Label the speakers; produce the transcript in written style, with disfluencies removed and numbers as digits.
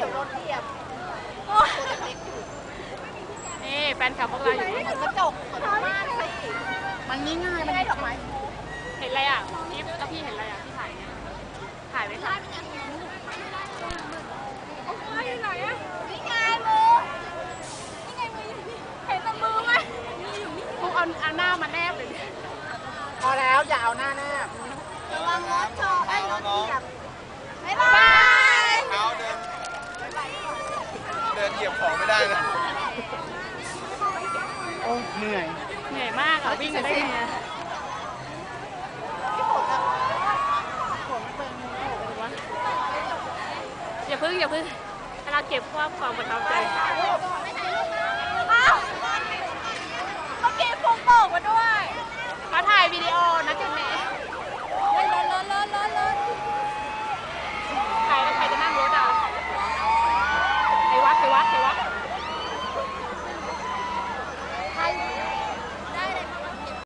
Speaker 1: ดี๋ยวรถเหยียบ
Speaker 2: นี่แฟนคลับพวกเราอยู่
Speaker 1: กระจกเปิดม่านสิมันง่ายๆไม่ได้ดอกไม้
Speaker 2: เห็นอะไรอ่ะพี่แล้วพี่เห็นอะไรอ่ะที่ถ่ายเนี่ยถ่ายไว้ค่ะนี่ไหนอ่ะ
Speaker 1: นี่ไงมือนี่ไงมือเห็นแต่มือไหม
Speaker 2: พวกเอาหน้ามาแนบเลย
Speaker 1: พอแล้วอย่าเอาหน้าแนบระวังรถชนไอ้รถเหยียบบ๊ายบาย
Speaker 3: เท้าเดินเหยียบของไม่ได้เลย
Speaker 1: โอ้เหนื่อย
Speaker 2: มากอ่ะวิ่งกันได้ไงอย่าพึ่งเราเก็บความประทับใจ
Speaker 1: เมื่อกี้ฟุกตกมาด้วย
Speaker 2: มาถ่ายวิดีโอนะจุดนี้ใครจะนั่งรถอ่ะใครวัด